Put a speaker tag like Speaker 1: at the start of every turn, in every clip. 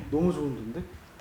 Speaker 1: 너무 좋은데?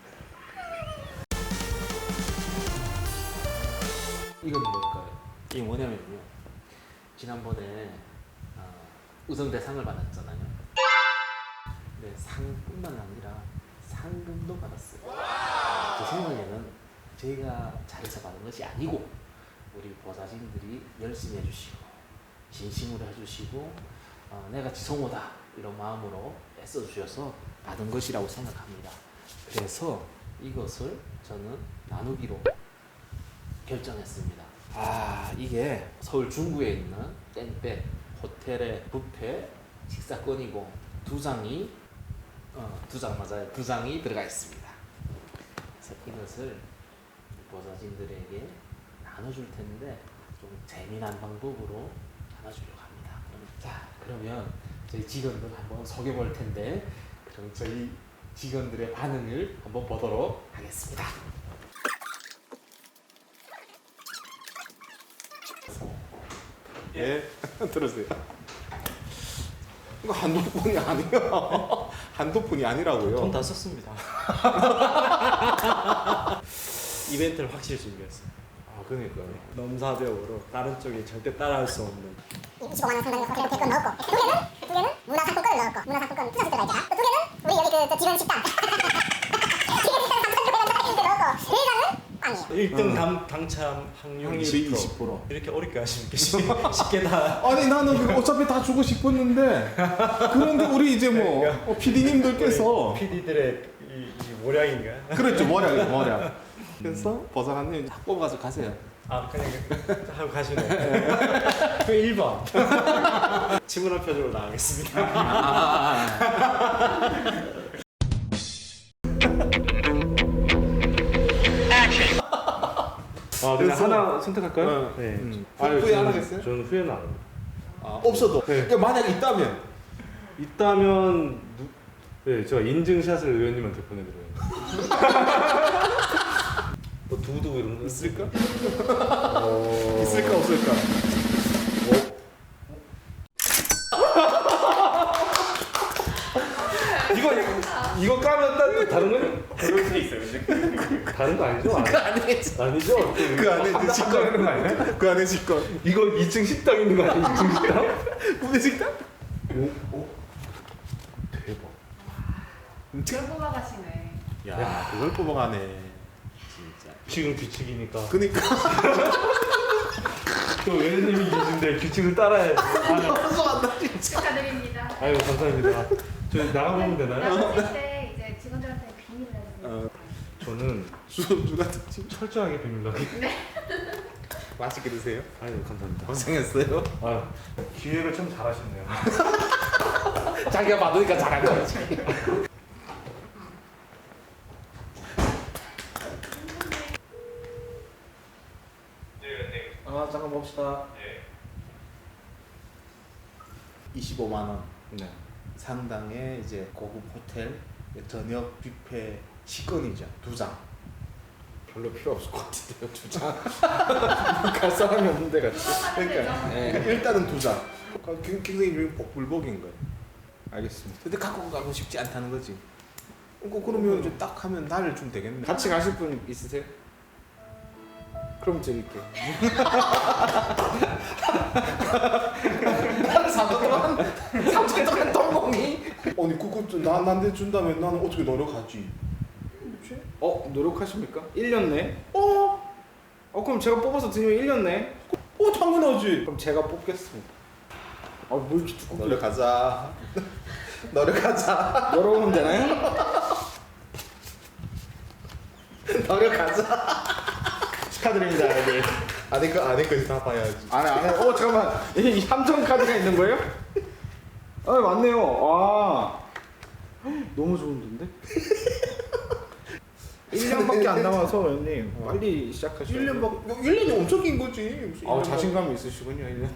Speaker 2: 이건 뭘까요? 이게 뭐냐면요. 지난번에 의성대상을 받았잖아요. 네, 상뿐만 아니라 상금도 받았어요. 제 생각에는 제가 잘해서 받은 것이 아니고 우리 보좌진들이 열심히 해주시고 진심으로 해주시고 내가 지성호다 이런 마음으로 애써주셔서 받은 것이라고 생각합니다. 그래서 이것을 저는 나누기로 결정했습니다. 이게 서울 중구에 있는 땡볕 호텔의 뷔페 식사권이고 두 장이 들어가 있습니다. 그래서 이것을 보좌진들에게 나눠줄 텐데 좀 재미난 방법으로 나눠주려고 합니다. 자, 그러면 저희 직원들 한번 속여볼 텐데 그럼 저희 직원들의 반응을 한번 보도록 하겠습니다.
Speaker 3: 예, 들으세요. 이거 한도폰이 아니에요. 한도폰이 아니라고요.
Speaker 1: 돈 다 썼습니다. 이벤트를 확실히 준비했어요.
Speaker 3: 그러니까요.
Speaker 1: 넘사벽으로 다른 쪽이 절대 따라할 수 없는.
Speaker 4: 25만 원 상당의 호텔 뷔페권 넣었고 두 개는 문화상품권을 넣었고 문화상품권 투자수 들어가 있잖아. 또 두 개는 우리 여기 그 직원 식당 직원 식당 3,600원 넣었고 세 장은 빵이에요.
Speaker 1: 1등 당첨 확률이 20%. 이렇게 어렵게 하시면 쉽게 다.
Speaker 3: 아니 나는 어차피 다 주고 싶었는데 그런데 우리 이제 뭐 PD님들께서
Speaker 1: PD들의 이 모량인가?
Speaker 3: 그렇죠 모략. 그래서 버사관님 다 뽑아서 가세요.
Speaker 1: 그냥 하고 가시네. 그 1번. 침울한 표정으로 나가겠습니다.
Speaker 3: 그냥
Speaker 1: 그래서
Speaker 3: 하나 선택할까요?
Speaker 1: 네.
Speaker 3: 후회 안 하겠어요?
Speaker 1: 저는 후회는 안 합니다.
Speaker 3: 없어도.
Speaker 1: 네.
Speaker 3: 그러니까 만약 있다면.
Speaker 5: 있다면 네, 제가 인증샷을 의원님한테 보내드려요. 뭐 두고 이런 거
Speaker 3: 있을까? 있을까 없을까?
Speaker 5: 이거 까면 다른 거는 그럴 수 있어요. 다른 거 아니죠?
Speaker 2: 그거 아니겠지.
Speaker 5: 아니죠?
Speaker 3: 그 안에 직권
Speaker 5: 있는 거 아니야?
Speaker 3: 그 안에 직권.
Speaker 5: 이거 2층 식당 있는 거 아니야? 2층 식당?
Speaker 3: 부대 식당?
Speaker 5: 대박.
Speaker 6: 그걸 뽑아가시네.
Speaker 3: 야 그걸 뽑아가네. 진짜.
Speaker 5: 지금 규칙이니까.
Speaker 3: 그니까.
Speaker 5: 또 의원님이 계신데 규칙을 따라야지.
Speaker 6: 축하드립니다.
Speaker 5: 아유 감사합니다. 저 나가보면 되나요?
Speaker 6: 나가실 때 이제 직원들한테 비밀을 해주세요.
Speaker 5: 저는
Speaker 3: 수업주 같은 집.
Speaker 5: 철저하게 비밀하게.
Speaker 3: 맛있게 드세요.
Speaker 5: 아유 감사합니다.
Speaker 3: 고생했어요.
Speaker 5: 아 기획을 참 잘하셨네요.
Speaker 2: 자기가 받으니까 잘한 거지.
Speaker 1: 잠깐 봅시다.
Speaker 3: 25만 원
Speaker 1: 네.
Speaker 3: 상당의 이제 고급 호텔 저녁 뷔페 식권이죠. 2장.
Speaker 1: 별로 필요 없을 것 같은데요, 주장. 갈 사람이 없는데 같이.
Speaker 3: 그러니까 일단은 2장. 굉장히 복불복인 거예요.
Speaker 1: 알겠습니다.
Speaker 3: 근데 갖고 가고 싶지 않다는 거지. 그러면 이제 딱 하면 나를 좀 되겠네.
Speaker 1: 같이 가실 분 있으세요? 그럼 드릴게요.
Speaker 2: 나는 3천 동안 똥공이.
Speaker 3: 아니 그거 나한테 준다면 나는 어떻게 노력하지?
Speaker 1: 노력하십니까? 1년 내?
Speaker 3: 어
Speaker 1: 그럼 제가 뽑아서 드리면 1년 내?
Speaker 3: 당연하지.
Speaker 1: 그럼 제가 뽑겠습니다. 뭐 이렇게 두껍게
Speaker 3: 노력하자. 노력하자.
Speaker 1: 열어보면 되나요?
Speaker 3: 노력하자.
Speaker 1: 축하드립니다, 네.
Speaker 3: 안에까지 다 봐야지.
Speaker 1: 안에. 잠깐만. 이 함정 카드가 있는 거예요? 맞네요. 너무 좋은데? 1년밖에 안 남아서 형님 빨리 시작하시죠.
Speaker 3: 1년이 엄청 긴 거지. 무슨 1년
Speaker 1: 자신감이 있으시군요, 1년.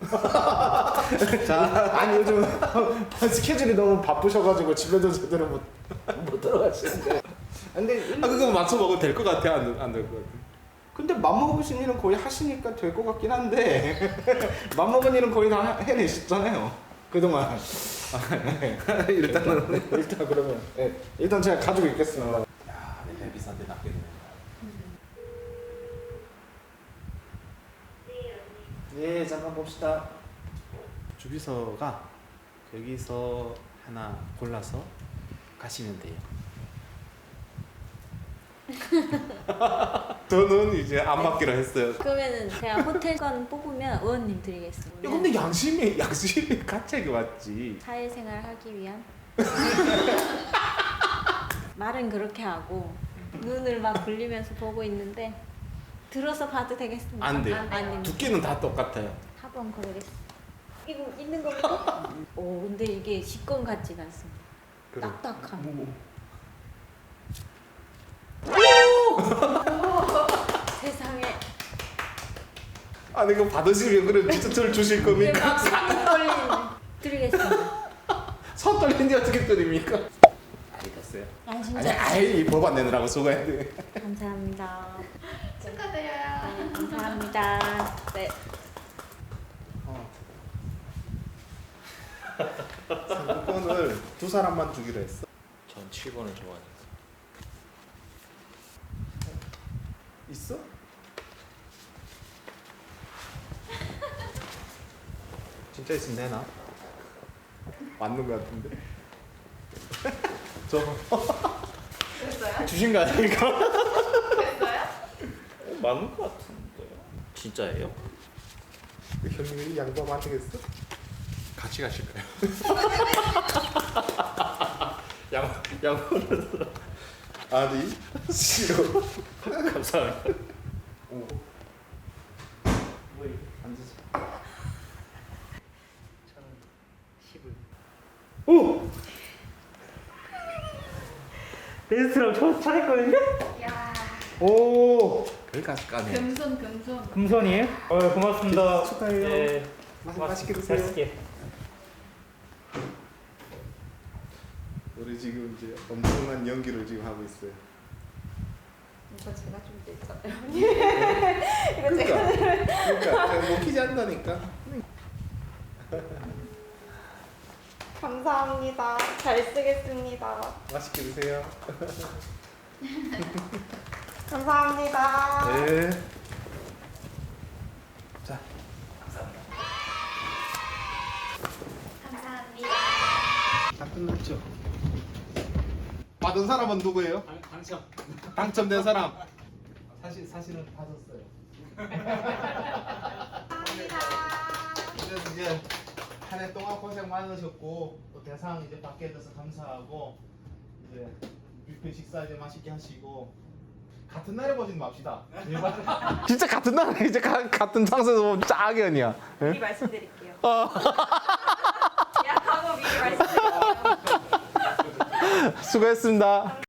Speaker 1: 아니 요즘 스케줄이 너무 바쁘셔가지고 집에도 제대로 못 들어가시는데. 근데
Speaker 3: 그거 맞춰 먹으면 될 것 같아? 안 될 것 같아?
Speaker 1: 근데 맘먹으신 일은 거의 하시니까 될 것 같긴 한데 맘먹은 일은 거의 다 해내셨잖아요. 그동안
Speaker 5: 일단은
Speaker 1: 일단 그러면 일단 제가 가지고 있겠습니다.
Speaker 2: 야, 내 비싼데 낫게 되네.
Speaker 1: 예, 잠깐 봅시다. 주비서가 여기서 하나 골라서 가시면 돼요.
Speaker 3: 저는 이제 안 받기로 했어요.
Speaker 7: 그러면은 제가 호텔권 뽑으면 의원님 드리겠습니다.
Speaker 3: 야, 근데 양심이 가책이 왔지.
Speaker 7: 사회생활 하기 위한 말은 그렇게 하고 눈을 막 굴리면서 보고 있는데 들어서 봐도 되겠습니다.
Speaker 3: 안 돼요.
Speaker 7: 안 됩니다.
Speaker 3: 두께는 다 똑같아요.
Speaker 7: 합원 그러겠습니다. 이거 있는 겁니까? 오 근데 이게 식권 같진 않습니다. 딱딱함. 세상에.
Speaker 3: 아니 이거 받으시면 그래 진짜 절 주실
Speaker 7: 이게
Speaker 3: 겁니까?
Speaker 7: 막 떨리네. 드리겠습니다.
Speaker 3: 손 떨리는데 어떻게 드립니까?
Speaker 2: 알겠어요.
Speaker 7: 아
Speaker 3: 아니
Speaker 7: 진짜.
Speaker 3: 아이 법 안 내느라고 수고했네.
Speaker 7: 감사합니다.
Speaker 6: 축하드려요.
Speaker 7: 네, 감사합니다. 네.
Speaker 3: 상품권을 두 사람만 주기로 했어.
Speaker 2: 전 7번을 좋아하니까.
Speaker 3: 있어? 진짜 있으면 되나? 맞는 거 같은데. 저
Speaker 6: 됐어요?
Speaker 3: 주신 거 아닙니까?
Speaker 6: 됐어요?
Speaker 5: 맞는 것 같은데요.
Speaker 2: 진짜예요?
Speaker 3: 형님이 양보하면 안 되겠어? 같이 가실까요? 양보를 아니 싫어.
Speaker 5: 감사합니다.
Speaker 3: 오!
Speaker 5: 베스트랑 저 차했거든요.
Speaker 6: 야,
Speaker 3: 오! 거기 가서 까네.
Speaker 6: 금손 금손.
Speaker 5: 금손이에요? 고맙습니다.
Speaker 3: 축하해요.
Speaker 5: 예.
Speaker 3: 맛있게 드세요.
Speaker 5: 맛있게.
Speaker 3: 우리 지금 이제 엄청난 연기를 지금 하고 있어요.
Speaker 7: 이거 제가 좀 됐잖아요.
Speaker 3: 그러니까 먹히지 않다니까.
Speaker 7: 감사합니다. 잘 쓰겠습니다.
Speaker 3: 맛있게 드세요.
Speaker 7: 감사합니다.
Speaker 3: 네.
Speaker 6: 감사합니다.
Speaker 3: 다 끝났죠? 받은 사람은 누구예요?
Speaker 2: 당첨.
Speaker 3: 당첨된 사람.
Speaker 2: 사실은 받았어요.
Speaker 3: 그래서 이제 한 해 동안 고생 많으셨고 또 대상 이제 받게 돼서 감사하고 이제 뷔페 식사 이제 맛있게 하시고 같은 날에 보진 맙시다. 진짜 같은 날에 이제 같은 상세에서 짝이야.
Speaker 7: 미리 말씀드릴게요. 약하고 미리 말씀드릴게요.
Speaker 3: 수고했습니다.